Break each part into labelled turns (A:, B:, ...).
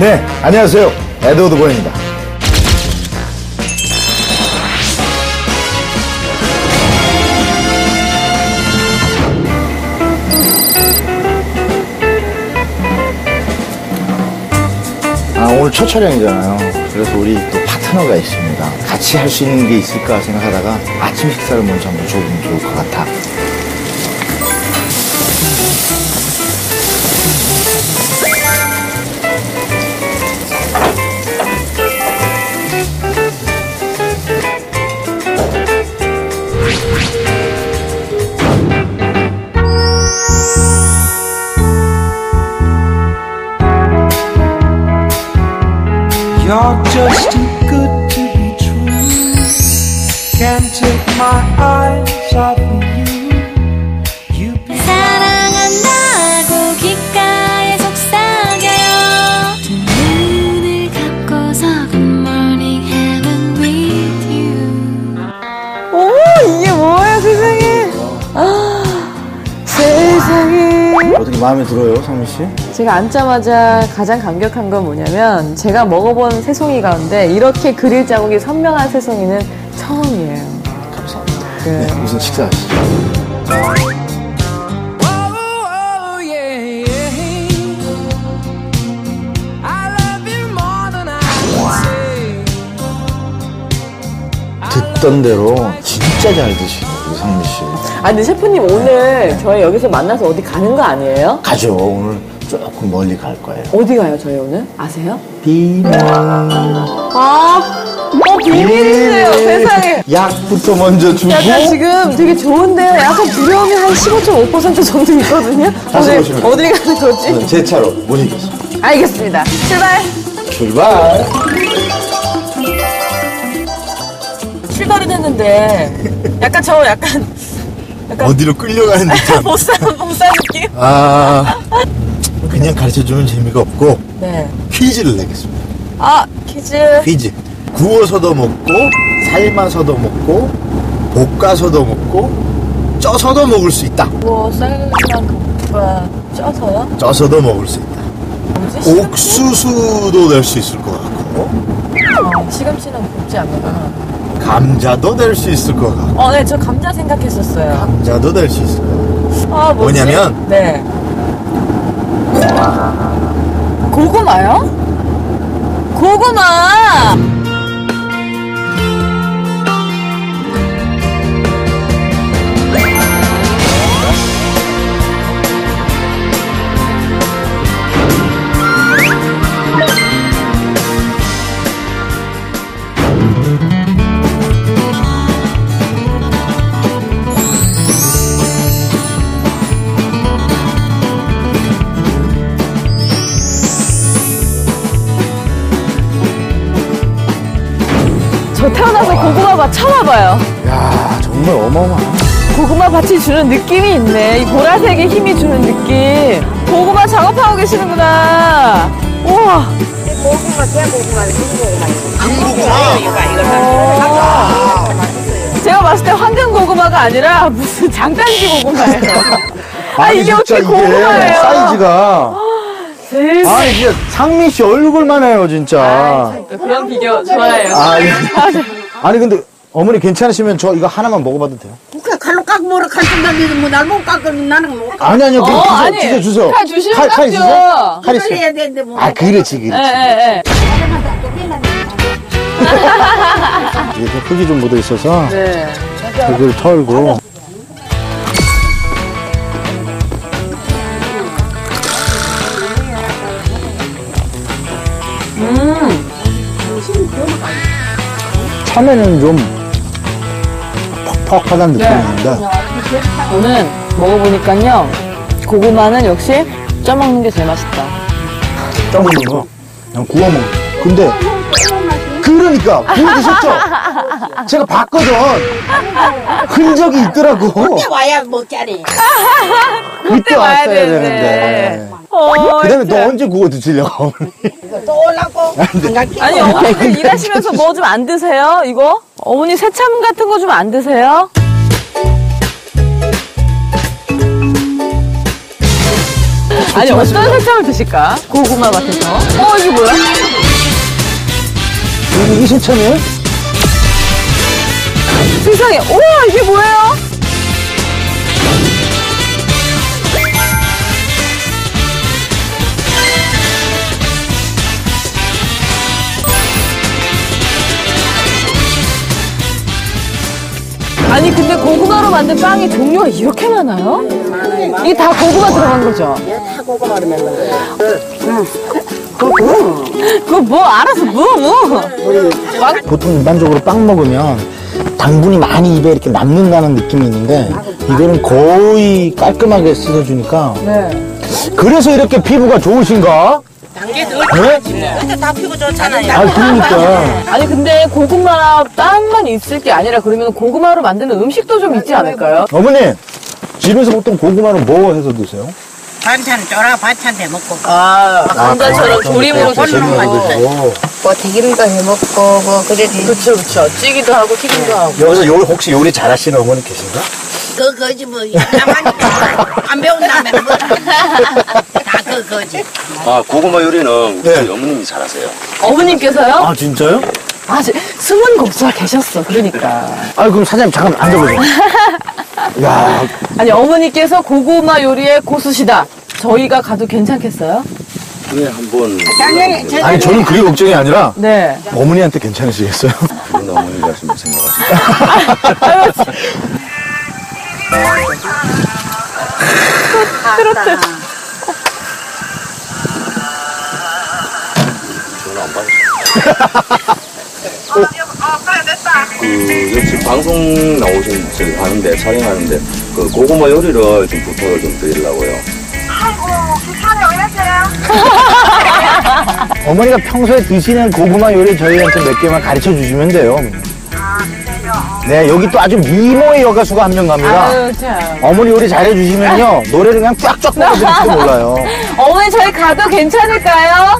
A: 네, 안녕하세요. 에드워드 보입니다. 오늘 첫 촬영이잖아요. 그래서 우리 또 파트너가 있습니다. 같이 할 수 있는 게 있을까 생각하다가 아침 식사를 먼저 한번 줘보면 좋을 것 같아.
B: You're just too good to be true. Can't take my eyes off of you. You be
C: 사랑한다고 귓가에 속삭여요. 두 눈을 감고서 Good morning heaven with you.
D: 오, 이게 뭐야, 세상에. 세상에.
A: 어떻게 마음에 들어요, 상민 씨?
D: 제가 앉자마자 가장 감격한 건 뭐냐면 제가 먹어본 새송이 가운데 이렇게 그릴 자국이 선명한 새송이는 처음이에요.
A: 감사합니다.
D: 네.
A: 네, 무슨 식사하시죠?
B: oh, yeah, yeah. I love you more than I can say.
A: 듣던 대로 진짜 잘 드시네, 우리 상민 씨.
D: 아, 근데 셰프님 오늘 저희 여기서 만나서 어디 가는 거 아니에요?
A: 가죠. 오늘 조금 멀리 갈 거예요.
D: 어디 가요, 저희 오늘? 아세요?
A: 비밀.
D: 비밀이세요, 세상에.
A: 약부터 먼저 주고.
D: 약간 지금 되게 좋은데요? 약간 두려움이 한 15.5% 정도 있거든요?
A: 다시
D: 오늘
A: 보시면
D: 어디 가는 거지?
A: 제 차로 못 이겼습니다.
D: 알겠습니다. 출발!
A: 출발.
D: 출발은 했는데 약간
A: 어디로 끌려가는 듯한.
D: 못사 느낌?
A: 그냥 가르쳐주면 재미가 없고
D: 네.
A: 퀴즈를 내겠습니다.
D: 아, 퀴즈.
A: 퀴즈. 구워서도 먹고 삶아서도 먹고 볶아서도 먹고 쪄서도 먹을 수 있다.
D: 뭐 쌀이랑 볶아 쪄서요?
A: 쪄서도 먹을 수 있다.
D: 뭐지?
A: 옥수수도 낼 수 있을 것 같고
D: 시금치는 볶지 않는구나.
A: 감자도 낼 수 있을 것 같고
D: 네, 저 감자 생각했었어요.
A: 감자도 낼 수 있을 것 같고
D: 아, 뭐지?
A: 뭐냐면?
D: 네. 고구마요? 고구마! 저 태어나서 고구마밭 처음 와봐요.
A: 야 정말 어마어마하네.
D: 고구마밭이 주는 느낌이 있네. 이 보라색의 힘이 주는 느낌. 고구마 작업하고 계시는구나. 우와. 제가 봤을 때 황금 고구마가 아니라 무슨 장단지 고구마예요. 이게 어떻게
A: 진짜
D: 고구마예요?
A: 사이즈가
D: 세상에.
A: 진짜 상민 씨 얼굴만 해요 진짜.
D: 그런 비교 좋아해요.
A: 아니 근데 어머니 괜찮으시면 저 이거 하나만 먹어봐도 돼요?
E: 그래 칼로 깎고 뭐라 칼좀 뭐날못 깎으면 나는 못 깎아.
A: 아니요
D: 아니.
A: 주세요.
D: 칼 주시면
A: 칼
D: 깎죠.
A: 있으세요? 칼
E: 그걸
A: 있어요?
E: 해야 되는데 뭐.
A: 그렇지.
D: 예.
A: 이게 흙이 좀 묻어 있어서
D: 네.
A: 흙을 털고. 처음에는 좀 퍽퍽하다는 느낌인데
D: 오늘 먹어보니까요. 고구마는 역시 쪄먹는 게 제일 맛있다.
A: 떠먹는 거 그냥 구워 먹는 거. 근데 그러니까 구워 드셨죠? 제가 봤거든. 흔적이 있더라고.
E: 그때 와야 먹자니.
A: 그때
D: 와야
A: 왔어야
D: 되는데.
A: 되는데.
D: 그
A: 다음에 너 언제 구워 드시려고?
E: 또 올라고.
D: 아니, 어머니들 일하시면서 뭐 좀 안 드세요? 이거? 어머니 새참 같은 거 좀 안 드세요? 아니, 어떤 새참을 드실까? 고구마 밭에서. 이게 뭐야?
A: 이게 새참이에요?
D: 세상에, 우와, 이게 뭐예요? 아니, 근데 고구마로 만든 빵이 종류가 이렇게 많아요? 이게 다 고구마 들어간 거죠?
E: 다 고구마로 만든 거야.
D: 그거 뭐, 알아서 뭐.
A: 보통 일반적으로 빵 먹으면 당분이 많이 입에 이렇게 남는다는 느낌이 있는데 이거는 거의 깔끔하게 씻어주니까
D: 네.
A: 그래서 이렇게 피부가 좋으신가?
E: 단계 더
A: 네?
E: 근데 다 피고 좋잖아요.
A: 아 그러니까
D: 아니, 근데 고구마 빵만 있을 게 아니라 그러면 고구마로 만드는 음식도 좀 있지 않을까요?
A: 어머니 집에서 보통 고구마를 뭐 해서 드세요?
E: 반찬 쫄아 반찬 해 먹고.
D: 감자처럼 조림으로
E: 그렇죠.
D: 드시는 거.
E: 뭐 튀김도 해 먹고 뭐 그래도
D: 그쵸. 찌기도 하고 튀김도 하고.
A: 여기서 혹시 요리 잘하시는 어머니 계신가?
E: 그거지 뭐 나만 안 배운다면 뭐다 그거지.
F: 아, 고구마 요리는
A: 네.
F: 저희 어머님이 잘하세요.
D: 어머님께서요?
A: 아 진짜요?
D: 숨은 곡수가 계셨어, 그러니까.
A: 아 그럼 사장님 잠깐 앉아보세요. 야
D: 아니, 어머니께서 고구마 요리의 고수시다. 저희가 가도 괜찮겠어요?
F: 네, 한번.
A: 아니 저는 그게 걱정이 아니라
D: 네.
A: 어머니한테 괜찮으시겠어요?
F: 그런 어머니가 좀 생각하시고.
D: 트로트.
F: 전화 안 받으세요. 역시 방송 나오신 저기 하는데 촬영하는데 그 고구마 요리를 좀 부탁을 좀 드리려고요.
A: 어머니가 평소에 드시는 고구마 요리 저희한테 몇 개만 가르쳐 주시면 돼요. 네, 여기 또 아주 미모의 여가수가 한 명 갑니다.
D: 아유, 참.
A: 어머니 요리 잘해주시면요, 노래를 그냥 쫙쫙 불러드릴지도 몰라요.
D: 어머니, 저희 가도 괜찮을까요?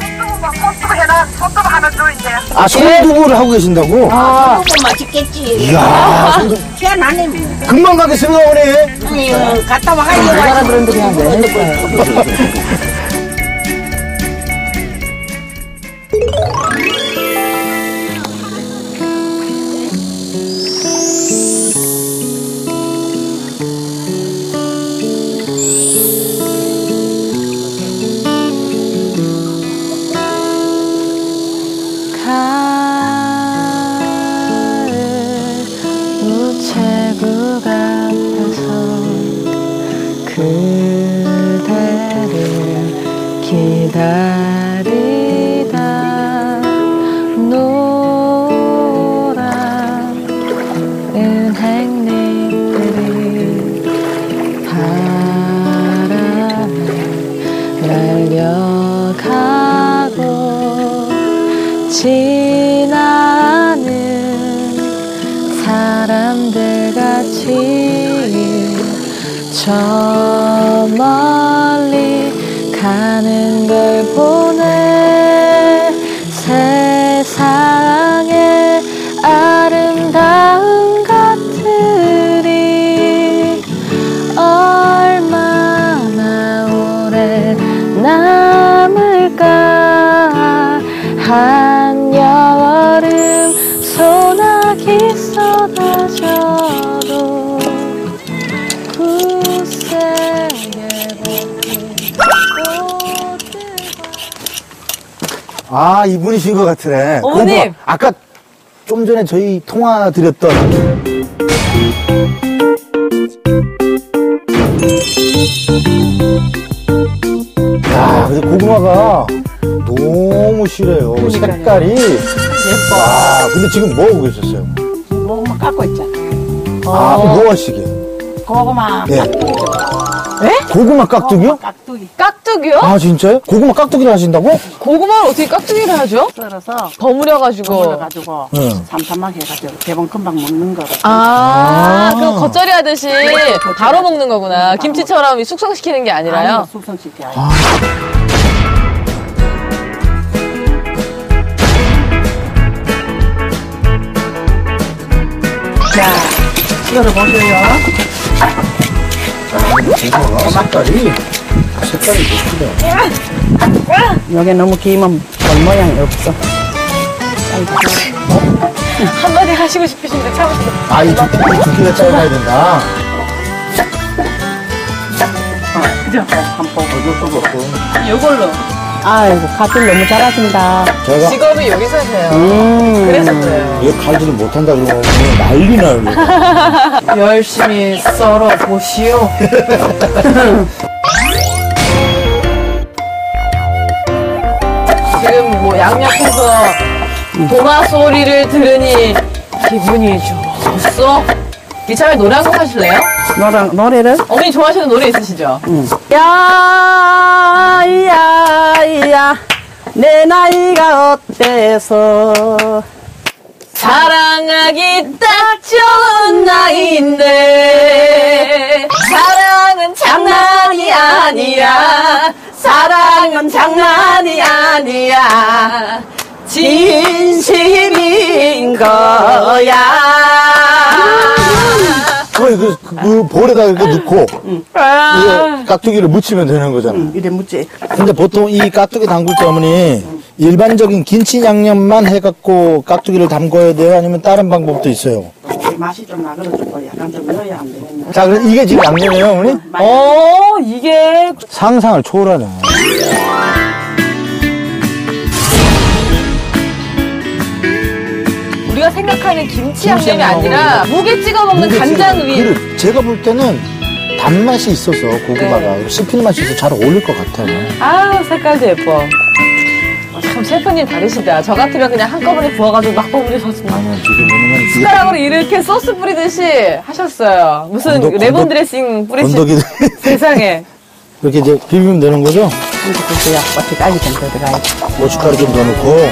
A: 아, 손두부를 하고 계신다고?
E: 그거 맛있겠지.
A: 이야, 손두부.
E: 희한하네 뭐.
A: 금방 가겠습니다, 어머니.
E: 아니 갔다 와가지고
D: 사람들은데 그냥 내냈어요.
C: 우체국 앞에서 그대를 기다리다 노란 은행잎들이 바람에 날려가고 지나는 사람들 같이 저 멀리 가는 걸 보네. 세상에 아름다운 것들이 얼마나 오래 남을까. 한여름 소나기 쏟아져도 굳세게
A: 아, 이분이신 것 같으네.
D: 어머님!
A: 고구마. 아까 좀 전에 저희 통화 드렸던. 야, 근데 고구마가 너무 실해요. 색깔이.
D: 예뻐.
A: 와, 근데 지금 뭐 하고 계셨어요?
E: 뭐 깎고 있잖아.
A: 아, 뭐 하시게?
E: 고구마
A: 예. 고구마 깍두기요?
E: 깍두기
D: 깍두기요?
A: 아, 진짜요? 고구마 깍두기를 하신다고?
D: 고구마를 어떻게 깍두기를 하죠?
E: 썰어서
D: 버무려가지고.
E: 버무려가지고
A: 응.
E: 삼삼하게 해가지고 대본 금방 먹는 거로.
D: 그럼 겉절이 하듯이 바로 먹는 거구나. 김치처럼 이 숙성시키는 게 아니라요?
E: 아니, 숙성시켜야 돼. 자, 썰어보세요.
A: 고구마가 색깔이. 색깔이 멋지네.
E: 여기 너무 길면 볼 모양이 없어.
D: 한마디 하시고 싶으신데 참으시고.
A: 아, 이 두께가 짧아야 된다.
E: 그죠? 한번.
A: 이것도 그렇고.
D: 이걸로.
E: 아이고, 칼질 너무 잘하신다.
A: 제가
D: 직업이 여기서 하세요. 그래서 그래요.
A: 이거 칼질을 못한다 그러면 난리 나요.
D: 열심히 썰어 보시오. 지금 뭐 양옆에서 동화 소리를 들으니 기분이 좋았어. 이참에 노래 한 곡 하실래요?
E: 노래를?
D: 어머니 좋아하시는 노래 있으시죠?
E: 야, 내 나이가 어때서.
D: 사랑하기 딱 좋은 나이인데 사랑은 장난이 아니야. 사랑은 장난이 아니야. 진심인 거야.
A: 그 볼에다 이렇게 넣고, 이게 깍두기를 묻히면 되는 거잖아.
E: 이래 묻지.
A: 근데 보통 이 깍두기 담글 때 어머니, 일반적인 김치 양념만 해갖고 깍두기를 담궈야 돼요? 아니면 다른 방법도 있어요?
E: 맛이 좀 나그러지고 약간 좀 넣어야 안 되겠네.
A: 자, 그럼 이게 지금 양념이에요, 어머니?
D: 이게
A: 상상을 초월하네.
D: 우리가 생각하는 김치 양념이 아니라 무게 찍어 먹는 간장 위.
A: 그리고 제가 볼 때는 단맛이 있어서 고구마가 씹힐 맛이 있어서 잘 어울릴 것 같아요.
D: 아, 색깔도 예뻐. 참 셰프님 다르시다. 저 같으면 그냥 한꺼번에 부어가지고 막 버무려서
A: 지금 왜냐면
D: 숟가락으로 이렇게 소스 뿌리듯이 하셨어요. 무슨 레몬 드레싱 뿌리시
A: 건더기
D: 세상에.
A: 이렇게 이제 비비면 되는 거죠?
E: 그래야 고춧가루 좀 더 들어가야지.
A: 고춧가루 좀 더 넣고.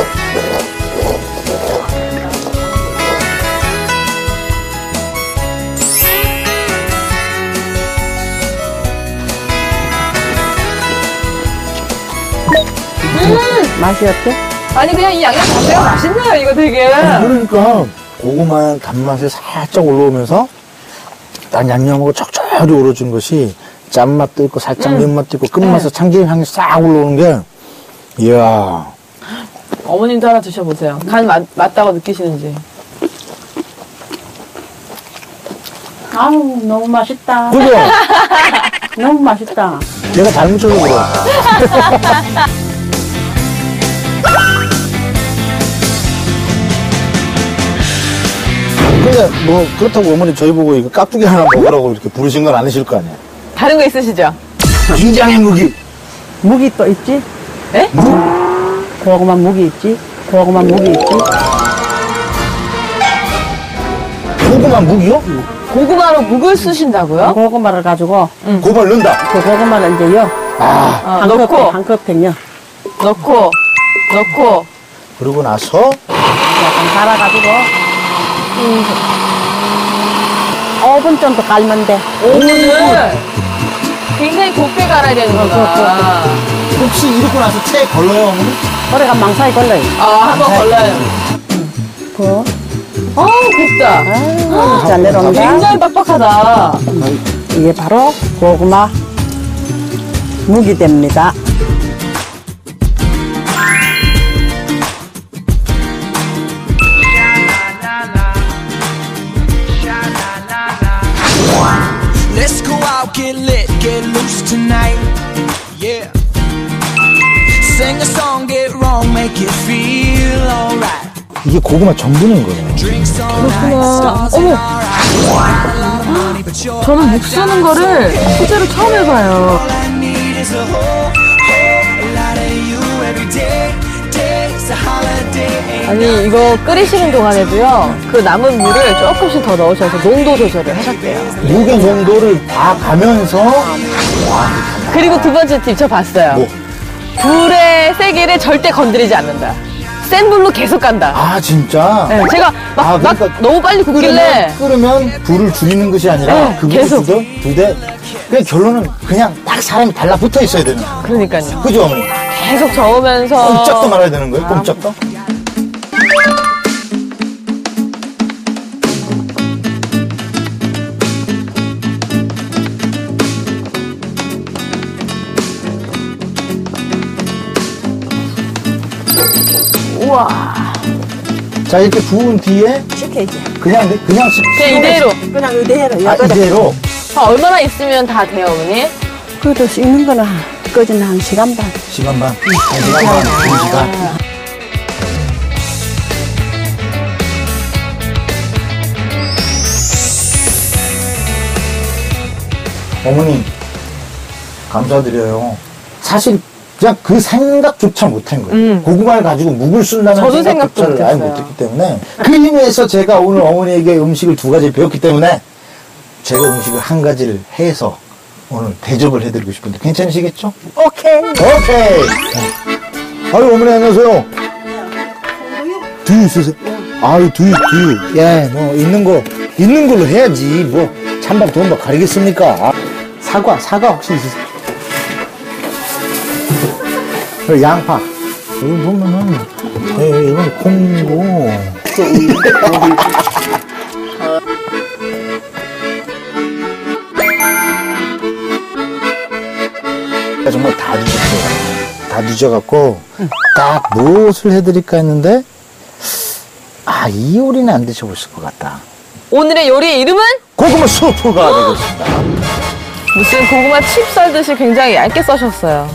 E: 맛이 어때?
D: 아니 그냥 이 양념 자체가 맛있네요. 이거 되게.
A: 그러니까 고구마의 단맛이 살짝 올라오면서 난 양념하고 척척이 우러진 것이 짠맛도 있고 살짝 면맛도 있고 끝맛에 참기름 향이 싹 올라오는 게 이야.
D: 어머님도 하나 드셔보세요. 간 맞다고 느끼시는지.
E: 아우, 너무 맛있다.
A: 그죠?
E: 너무 맛있다.
A: 내가 잘못 쳐서 그래. 근데 뭐 그렇다고 어머니 저희 보고 이거 깍두기 하나 먹으라고 이렇게 부르신 건 아니실 거 아니에요?
D: 다른 거 있으시죠?
A: 굉장히 무기.
E: 무기 또 있지?
D: 에?
E: 고구마 무기 있지? 고구마 무기 있지?
A: 고구마 무기요?
D: 고구마로 묵을 쓰신다고요?
E: 고구마를 가지고
A: 고구마를 넣는다.
E: 그 고구마를 이제 요
A: 아,
D: 넣고
E: 한 컵팩 요
D: 넣고
A: 그러고 나서
E: 약간 갈아가지고 5분 정도 갈면 돼.
D: 오븐을 굉장히 곱게 갈아야 되는구나.
A: 혹시 이러고 나서 체에 걸러요, 어머니?
E: 오래가 망사에 걸려요.
D: 한번 걸러요.
E: 그,
D: 곱다.
E: 아유, 잘 내려온다.
D: 굉장히 빡빡하다.
E: 이게 바로 고구마 묵이 됩니다.
B: Let's go out, get lit, get loose tonight. Yeah. Sing a song, get wrong, make it feel alright.
A: 이게 고구마 전분인 거예요.
B: Drinks all night, stars in our eyes. Not a lot of money, but you're
D: 저는 묵 쓰는 거를 실제로 처음 해봐요.
B: all I need is a whole lot of you every day. Day's a holiday.
D: 아니 이거 끓이시는 동안에도요 그 남은 물을 조금씩 더 넣으셔서 농도 조절을 하셨대요.
A: 무게 농도를 다 가면서
D: 그리고 두 번째 팁 저 봤어요.
A: 뭐?
D: 불의 세기를 절대 건드리지 않는다. 센 불로 계속 간다.
A: 아 진짜?
D: 네, 제가 막
A: 그러니까
D: 너무 빨리 굽길래
A: 끓으면 불을 줄이는 것이 아니라
D: 네,
A: 그
D: 계속.
A: 두 대. 그냥 결론은 그냥 딱 사람이 달라붙어 있어야 되는 거예요.
D: 그러니까요.
A: 그죠 어머니?
D: 계속 저으면서
A: 꼼짝도 말아야 되는 거예요. 꼼짝도. 자, 이렇게 부은 뒤에
E: 식혀야지.
A: 그냥
D: 그냥 이대로.
E: 그냥 이대로.
A: 아, 이대로.
D: 얼마나 있으면 다 돼요, 어머니?
E: 그래도 씻는 거는 끄지는 한 시간 반.
A: 시간 반. 1시간 반. 2시간. 어머니, 감사드려요. 사실 그냥 그 생각조차 못한 거예요. 고구마를 가지고 묵을 쓴다는
D: 저도 생각도
A: 생각조차를 아예
D: 못했어요.
A: 못했기 때문에 그 힘에서 제가 오늘 어머니에게 음식을 2가지 배웠기 때문에 제가 음식을 1가지를 해서 오늘 대접을 해드리고 싶은데 괜찮으시겠죠?
E: 오케이.
A: 오케이. 아유, 어머니 안녕하세요. 두유 있으세요? 아유, 두유. 예, 뭐 있는 걸로 해야지. 뭐 찬밥 돈밥 가리겠습니까? 아, 사과 혹시 있으세요? 그리고 양파. 여기 보면은, 이건 콩이고. 정말 다 뒤졌어요. 다 뒤져갖고, 딱 무엇을 해드릴까 했는데, 아, 이 요리는 안 드셔보실 것 같다.
D: 오늘의 요리의 이름은?
A: 고구마 수프가 되겠습니다.
D: 무슨 고구마 칩 썰듯이 굉장히 얇게 써셨어요.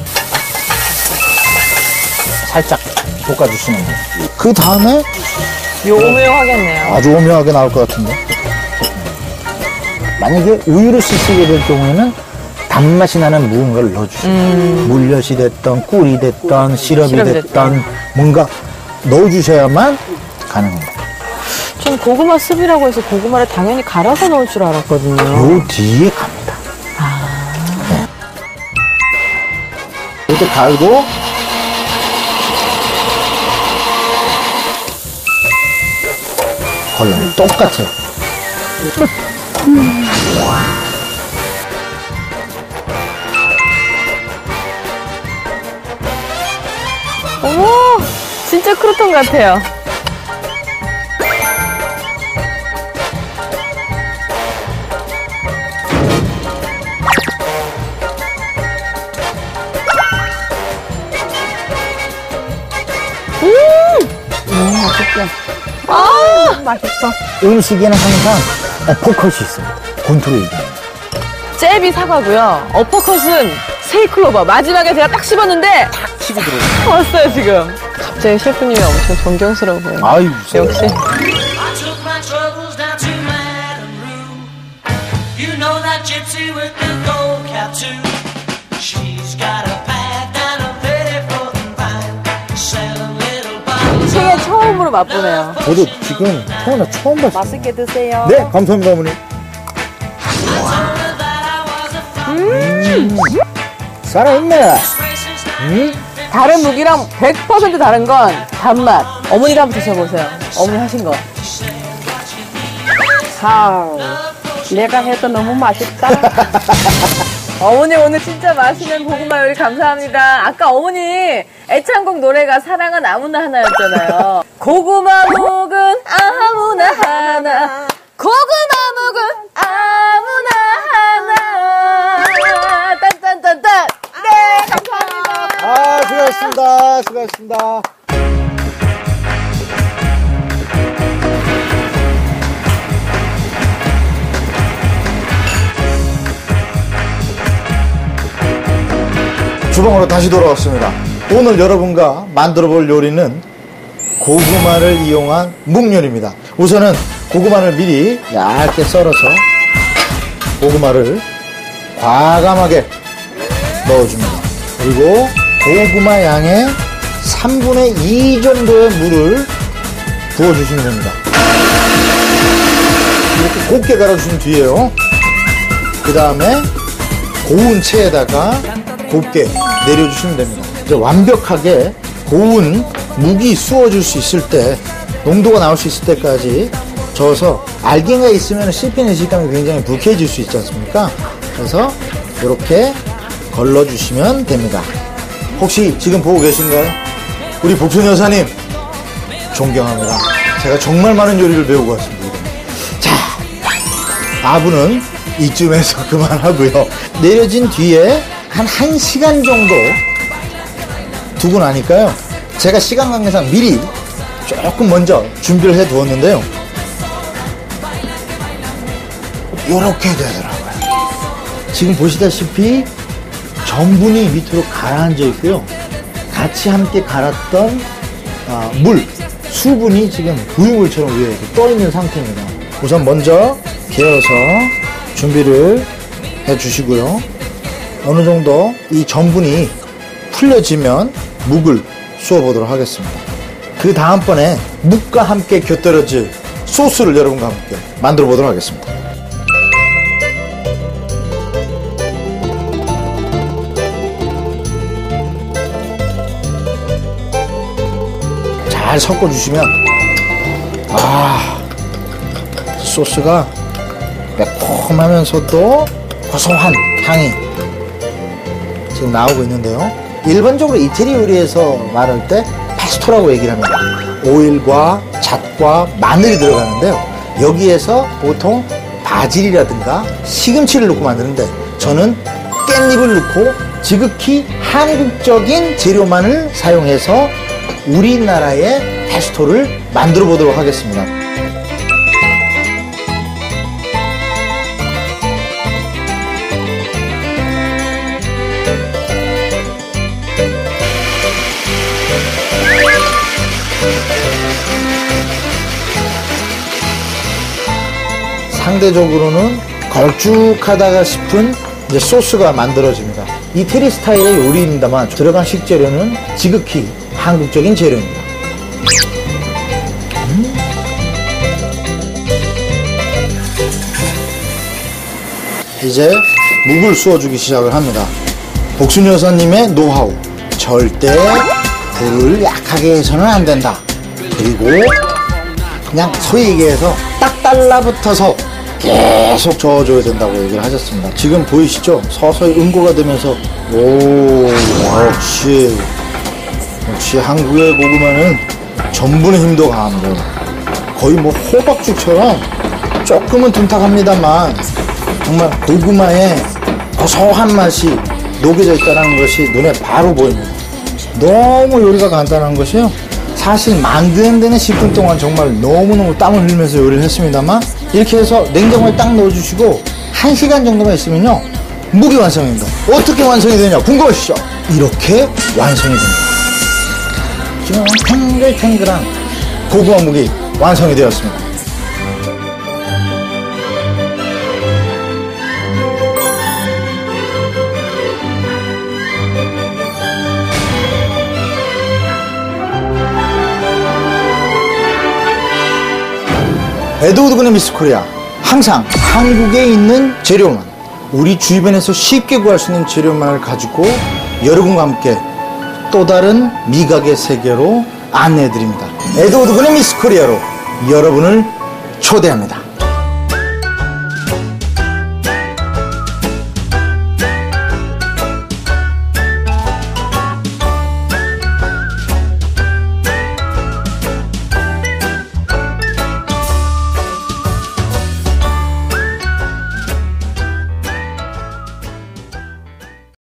A: 살짝 볶아주시는 거예요. 그 다음에
D: 오묘하겠네요.
A: 아주 오묘하게 나올 것 같은데. 만약에 우유를 쓰시게 될 경우에는 단맛이 나는 무언가를 넣어주세요. 물엿이 됐던 꿀이 됐던 시럽이 됐던 뭔가 넣어주셔야만 가능합니다.
D: 전 고구마 습이라고 해서 고구마를 당연히 갈아서 넣을 줄 알았거든요.
A: 요 뒤에 갑니다. 네. 이렇게 갈고 걸러요. 똑같아요.
D: 어머, 진짜 크루톤 같아요.
E: 맛있어.
A: 음식에는 항상 포컷이 있습니다. 권투를 얘기합니다.
D: 잽이 사과고요. 어퍼컷은 세이클로버. 마지막에 제가 딱 씹었는데 탁
A: 치고 들어오죠.
D: 왔어요 지금. 갑자기 셰프님이 엄청 존경스러워 보여요.
A: 아유,
D: 역시.
G: I took my troubles down to Madame Rue. You know that gypsy with the gold cap too. She's got a bag down a very floating vine, selling little bottles.
D: 생애 처음으로 맛보네요.
A: 저도 지금 태어나 처음 봤어요.
D: 맛있게 드세요.
A: 네, 감사합니다, 어머니. 살아있네.
D: 다른 무기랑 100% 다른 건 단맛. 어머니가 한번 드셔보세요. 어머니 하신 거.
E: 내가 해도 너무 맛있다.
D: 어머니 오늘 진짜 맛있는 고구마 요리 감사합니다. 아까 어머니 애창곡 노래가 사랑은 아무나 하나였잖아요. 고구마 묵은 아무나 하나. 고구마 묵은 아무나 하나. 딴딴딴딴. 네, 감사합니다.
A: 아, 수고하셨습니다. 수고하셨습니다. 주방으로 다시 돌아왔습니다. 오늘 여러분과 만들어 볼 요리는 고구마를 이용한 묵요리입니다. 우선은 고구마를 미리 얇게 썰어서 고구마를 과감하게 넣어줍니다. 그리고 고구마 양의 3분의 2 정도의 물을 부어주시면 됩니다. 이렇게 곱게 갈아주신 뒤에요. 그 다음에 고운 체에다가 곱게 내려주시면 됩니다. 이제 완벽하게 고운 묵이 수어질 수 있을 때, 농도가 나올 수 있을 때까지 저어서 알갱이가 있으면 씹히는 식감이 굉장히 불쾌해질 수 있지 않습니까? 그래서 이렇게 걸러주시면 됩니다. 혹시 지금 보고 계신가요? 우리 복순 여사님 존경합니다. 제가 정말 많은 요리를 배우고 왔습니다. 자, 아부는 이쯤에서 그만하고요. 내려진 뒤에 한 1시간 정도 두고 나니까요. 제가 시간 관계상 미리 조금 먼저 준비를 해 두었는데요. 요렇게 되더라고요. 지금 보시다시피 전분이 밑으로 가라앉아 있고요. 같이 함께 갈았던 수분이 지금 부유물처럼 위에 떠 있는 상태입니다. 우선 먼저 개어서 준비를 해 주시고요. 어느 정도 이 전분이 풀려지면 묵을 쏘아 보도록 하겠습니다. 그 다음번에 묵과 함께 곁들여질 소스를 여러분과 함께 만들어 보도록 하겠습니다. 잘 섞어주시면 소스가 매콤하면서도 고소한 향이 지금 나오고 있는데요. 일반적으로 이태리 요리에서 말할 때 페스토라고 얘기를 합니다. 오일과 잣과 마늘이 들어가는데요. 여기에서 보통 바질이라든가 시금치를 넣고 만드는데 저는 깻잎을 넣고 지극히 한국적인 재료만을 사용해서 우리나라의 페스토를 만들어 보도록 하겠습니다. 상대적으로는 걸쭉하다가 싶은 이제 소스가 만들어집니다. 이태리 스타일의 요리입니다만 들어간 식재료는 지극히 한국적인 재료입니다. 이제 묵을 쏘아주기 시작을 합니다. 복순 여사님의 노하우. 절대 불을 약하게 해서는 안 된다. 그리고 그냥 소위 얘기해서 딱 달라붙어서 계속 저어줘야 된다고 얘기를 하셨습니다. 지금 보이시죠? 서서히 응고가 되면서 역시 한국의 고구마는 전분의 힘도 강합니다. 거의 뭐 호박죽처럼 조금은 둔탁합니다만 정말 고구마의 고소한 맛이 녹여져 있다는 것이 눈에 바로 보입니다. 너무 요리가 간단한 것이요. 사실 만드는 데는 10분 동안 정말 너무너무 땀을 흘리면서 요리를 했습니다만 이렇게 해서 냉장고에 딱 넣어주시고 1시간 정도만 있으면요 묵이 완성입니다. 어떻게 완성이 되냐 궁금하시죠? 이렇게 완성이 됩니다. 지금 탱글탱글한 고구마 묵이 완성이 되었습니다. 에드워드 군의 미스 코리아. 항상 한국에 있는 재료만, 우리 주변에서 쉽게 구할 수 있는 재료만을 가지고 여러분과 함께 또 다른 미각의 세계로 안내해드립니다. 에드워드 군의 미스 코리아로 여러분을 초대합니다.